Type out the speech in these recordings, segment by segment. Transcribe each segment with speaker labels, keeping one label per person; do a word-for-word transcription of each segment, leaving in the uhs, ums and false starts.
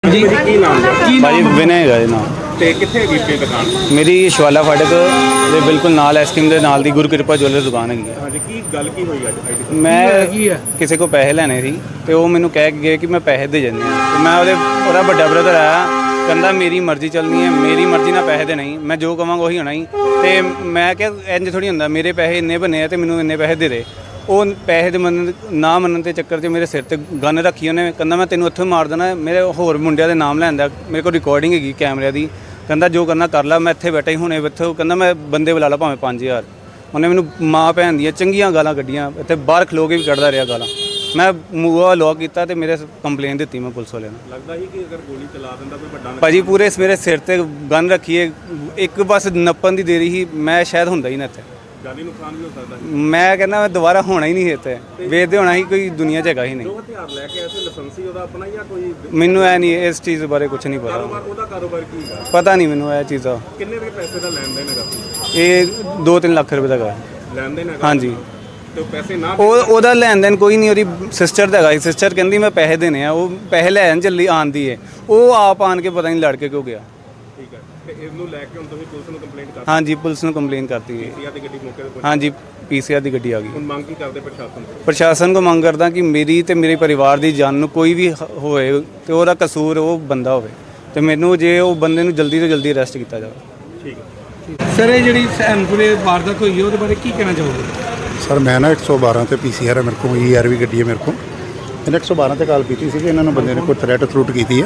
Speaker 1: जी की नाम है
Speaker 2: भाजी विनय है जी नाम
Speaker 1: ਤੇ ਕਿੱਥੇ ਹੈਗੀ ਆਪਣੀ ਦੁਕਾਨ?
Speaker 2: मेरी शिवाला फाटक ਦੇ ਬਿਲਕੁਲ ਨਾਲ ਐਸਕ੍ਰੀਮ ਦੇ ਨਾਲ ਦੀ ਗੁਰੂ ਕਿਰਪਾ ਜੁਐਲਰ ਦੁਕਾਨ ਹੈਗੀ ਹੈ।
Speaker 1: ਹਾਂਜੀ ਕੀ ਗੱਲ ਕੀ ਹੋਈ ਅੱਜ ਅੱਜ ਦੀ?
Speaker 2: ਮੈਂ ਕਿਸੇ ਕੋ ਪੈਸੇ ਲੈਣੇ ਸੀ ਤੇ ਉਹ ਮੈਨੂੰ ਕਹਿ ਕੇ ਗਏ ਕਿ ਮੈਂ ਪੈਸੇ ਦੇ ਜਾਂਦੇ ਆ ਤੇ ਮੈਂ ਉਹਦੇ ਉਹਦਾ ਵੱਡਾ ਬ੍ਰਦਰ ਆਇਆ ਕਹਿੰਦਾ ਮੇਰੀ ਮਰਜ਼ੀ ਚੱਲਣੀ ਹੈ, ਮੇਰੀ ਮਰਜ਼ੀ ਨਾਲ ਪੈਸੇ ਦੇਣੇ ਹੀ, ਮੈਂ ਜੋ ਕਵਾਂਗਾ ਉਹੀ ਹੋਣਾ ਹੀ। ਤੇ ਮੈਂ ਕਿਹਾ ਇੰਜ ਥੋੜੀ ਹੁੰਦਾ, ਮੇਰੇ ਪੈਸੇ ਇੰਨੇ ਬਣੇ ਆ ਤੇ ਮੈਨੂੰ ਇੰਨੇ ਪੈਸੇ ਦੇ ਦੇ। ਉਹ ਪੈਸੇ ਦੇ ਮੰਨਣ ਨਾ ਮੰਨਣ ਦੇ ਚੱਕਰ 'ਚ ਮੇਰੇ ਸਿਰ ਤੇ ਗਨ ਰੱਖੀ ਉਹਨੇ, ਕਹਿੰਦਾ ਮੈਂ ਤੈਨੂੰ ਉੱਥੇ ਮਾਰ ਦੇਣਾ। ਮੇਰੇ ਹੋਰ ਮੁੰਡਿਆਂ ਦੇ ਨਾਮ ਲੈਂਦਾ, ਮੇਰੇ ਕੋਲ ਰਿਕਾਰਡਿੰਗ ਹੈਗੀ ਕੈਮਰਿਆਂ ਦੀ। ਕਹਿੰਦਾ ਜੋ ਕਰਨਾ ਕਰ ਲਾ, ਮੈਂ ਇੱਥੇ ਬੈਠਾ ਹੀ ਹੁਣੇ ਇੱਥੇ। ਕਹਿੰਦਾ ਮੈਂ ਬੰਦੇ ਬੁਲਾ ਲਾ ਭਾਵੇਂ ਪੰਜ ਹਜ਼ਾਰ। ਉਹਨੇ ਮੈਨੂੰ ਮਾਂ ਭੈਣ ਦੀਆਂ ਚੰਗੀਆਂ ਗਾਲਾਂ ਕੱਢੀਆਂ, ਇੱਥੇ ਬਾਹਰ ਖਲੋ ਕੇ ਵੀ ਕੱਢਦਾ ਰਿਹਾ ਗਾਲਾਂ। ਮੈਂ ਮੂੰਹ ਲੌਕ ਕੀਤਾ ਤੇ ਮੇਰੇ ਕੰਪਲੇਨ ਦਿੱਤੀ ਮੈਂ ਪੁਲਿਸ ਵਾਲਿਆਂ ਨੂੰ।
Speaker 1: ਲੱਗਦਾ ਸੀ ਕਿ ਅਗਰ ਗੋਲੀ ਚਲਾ ਦਿੰਦਾ ਕੋਈ ਵੱਡਾ
Speaker 2: ਭਾਜੀ ਪੂਰੇ ਮੇਰੇ ਸਿਰ ਤੇ ਗਨ ਰੱਖੀਏ, ਇੱਕ ਬਸ ਨੱਪਣ ਦੀ ਦੇਰੀ ਸੀ, ਮੈਂ ਸ਼ਾਇਦ ਹੁੰਦਾ ਹੀ ਨਾ ਇੱਥੇ।
Speaker 1: ਜਾਨੀ ਨੁਕਸਾਨ ਵੀ ਹੋ ਸਕਦਾ ਹੈ।
Speaker 2: ਮੈਂ ਕਹਿੰਦਾ ਮੈਂ ਦੁਬਾਰਾ ਹੋਣਾ ਹੀ ਨਹੀਂ ਇੱਥੇ, ਵੇਚਦੇ ਹੋਣਾ ਹੀ ਕੋਈ ਦੁਨੀਆ 'ਚ ਹੈਗਾ ਹੀ ਨਹੀਂ।
Speaker 1: ਜੋ ਹਥਿਆਰ ਲੈ ਕੇ ਆਏ ਸੀ ਲਾਇਸੈਂਸੀ ਉਹਦਾ ਆਪਣਾ ਜਾਂ ਕੋਈ
Speaker 2: ਮੈਨੂੰ ਐ ਨਹੀਂ, ਇਸ ਚੀਜ਼ ਬਾਰੇ ਕੁਝ ਨਹੀਂ ਪਤਾ।
Speaker 1: ਕਾਰੋਬਾਰ ਉਹਦਾ ਕਾਰੋਬਾਰ ਕੀ ਹੈ?
Speaker 2: ਪਤਾ ਨਹੀਂ ਮੈਨੂੰ ਇਹ ਚੀਜ਼ਾਂ।
Speaker 1: ਕਿੰਨੇ ਵੀ ਪੈਸੇ ਦਾ ਲੈਣ ਦੇਣ ਹੈਗਾ?
Speaker 2: ਇਹ ਦੋ ਤਿੰਨ ਲੱਖ ਰੁਪਏ ਦਾ ਹੈਗਾ।
Speaker 1: ਲੈਣ ਦੇਣ ਹੈਗਾ?
Speaker 2: ਹਾਂਜੀ।
Speaker 1: ਤੇ ਉਹ ਪੈਸੇ ਨਾ
Speaker 2: ਉਹ ਉਹਦਾ ਲੈਣ ਦੇਣ ਕੋਈ ਨਹੀਂ, ਉਹਦੀ ਸਿਸਟਰ ਦਾ ਹੈਗਾ। ਸਿਸਟਰ ਕਹਿੰਦੀ ਮੈਂ ਪੈਸੇ ਦੇਣੇ ਆ, ਉਹ ਪੈਸੇ ਲੈਣ ਚੱਲੀ ਆਂਦੀ ਹੈ, ਉਹ ਆਪ ਆਣ ਕੇ ਪਤਾ ਨਹੀਂ ਲੜ ਕੇ ਕਿਉਂ ਗਿਆ।
Speaker 1: ਠੀਕ ਹੈ ਤੇ ਇਹਨੂੰ ਲੈ ਕੇ ਹੁਣ ਤੁਸੀਂ ਪੁਲਿਸ ਨੂੰ ਕੰਪਲੇਂਟ ਕਰ
Speaker 2: ਹਾਂਜੀ ਪੁਲਿਸ ਨੂੰ ਕੰਪਲੇਨ ਕਰਤੀ ਹੈ।
Speaker 1: ਦਿੱਤੀ ਆ ਤੇ ਗੱਡੀ ਮੌਕੇ ਤੇ ਪਹੁੰਚ-
Speaker 2: ਹਾਂਜੀ ਪੀਸੀਆਰ ਦੀ ਗੱਡੀ ਆ ਗਈ।
Speaker 1: ਹੁਣ ਮੰਗ ਕੀ ਕਰਦੇ ਪ੍ਰਸ਼ਾਸਨ ਤੋਂ?
Speaker 2: ਪ੍ਰਸ਼ਾਸਨ ਕੋ ਮੰਗ ਕਰਦਾ ਕਿ ਮੇਰੀ ਤੇ ਮੇਰੇ ਪਰਿਵਾਰ ਦੀ ਜਾਨ ਨੂੰ ਕੋਈ ਵੀ ਹ- ਹੋਏ ਤੇ ਉਹਦਾ ਕਸੂਰ ਉਹ ਬੰਦਾ ਹੋਵੇ ਤੇ ਮੈਨੂੰ ਜੇ ਉਹ ਬੰਦੇ ਨੂੰ ਜਲਦੀ ਤੋਂ ਜਲਦੀ ਅਰੈਸਟ ਕੀਤਾ ਜਾਵੇ।
Speaker 1: ਠੀਕ ਹੈ।
Speaker 3: ਸਰ ਇਹ ਜਿਹੜੀ ਸੈਨਪੁਰੇ ਵਾਰਦਾਤ ਹੋਈ ਹੈ ਉਹਦੇ ਬਾਰੇ ਕੀ ਕਹਿਣਾ ਚਾਹੋਗੇ?
Speaker 4: ਸਰ ਮੈਂ ਨਾ ਇੱਕ ਸੌ ਬਾਰਾਂ ਤੇ ਪੀਸੀਆਰ ਹੈ ਮੇਰੇ ਕੋਲ, ਈ ਆਰ ਵੀ ਗੱਡੀ ਹੈ ਮੇਰੇ ਕੋਲ। ਇਹਨੇ ਇੱਕ ਸੌ ਬਾਰਾਂ ਤੇ ਕਾਲ ਕੀਤੀ ਸੀ ਕਿ ਇਹਨਾਂ ਨੂੰ ਬੰਦੇ ਨੇ ਕੋਈ ਥ੍ਰੈਟ ਥਰੂਟ ਕੀਤੀ ਹੈ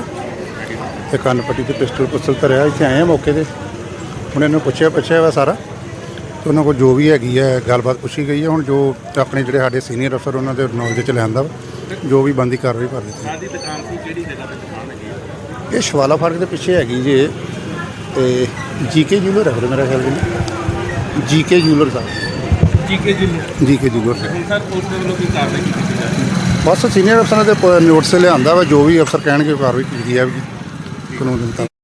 Speaker 4: ਤੇ ਕੰਨ ਪੱਟੀ ਤੇ ਪਿਸਟਲ ਪੁਸਤਲ ਧਰਿਆ। ਇੱਥੇ ਆਏ ਆ ਮੌਕੇ ਤੇ, ਹੁਣ ਇਹਨੂੰ ਪੁੱਛਿਆ ਪੁੱਛਿਆ ਵਾ ਸਾਰਾ ਤੇ ਉਹਨਾਂ ਕੋਲ ਜੋ ਵੀ ਹੈਗੀ ਹੈ ਗੱਲਬਾਤ ਪੁੱਛੀ ਗਈ ਹੈ। ਹੁਣ ਜੋ ਆਪਣੇ ਜਿਹੜੇ ਸਾਡੇ ਸੀਨੀਅਰ ਅਫਸਰ ਉਹਨਾਂ ਦੇ ਨੌਲੇਜ 'ਚ ਲਿਆਂਦਾ ਵਾ, ਜੋ ਵੀ ਬੰਦੀ ਕਾਰਵਾਈ ਕਰ ਦਿੱਤੀ।
Speaker 1: ਸਾਡੀ ਦੁਕਾਨ ਸੀ ਕਿਹੜੀ ਜਗ੍ਹਾ ਤੇ ਦੁਕਾਨ ਹੈਗੀ?
Speaker 4: ਇਹ ਸ਼ਵਾਲਾ ਫਾਟਕ ਦੇ ਪਿੱਛੇ ਹੈਗੀ ਜੇ ਤੇ ਜੀਕੇ ਜੂਲਰ ਹੈ ਮੇਰਾ ਖਿਆਲ ਜੀ, GK jeweller Sahib,
Speaker 3: GK ji
Speaker 4: GK jeweller Sahib.
Speaker 1: ਹੁਣ ਸਰ ਪੁਲਿਸ ਦੇ ਵੱਲੋਂ ਕੀ ਕਾਰਵਾਈ ਕੀਤੀ ਜਾ ਰਹੀ ਹੈ?
Speaker 4: ਬਸ ਸੀਨੀਅਰ ਅਫਸਰਾਂ ਦੇ ਨੋਟਿਸ ਲਿਆਂਦਾ ਵਾ, ਜੋ ਵੀ ਅਫਸਰ ਕਹਿਣਗੇ ਕਾਰਵਾਈ ਕੀਤੀ ਜਾਵੇਗੀ ਕਾਨੂੰਨ ਦੇ ਮੁਤਾਬਕ।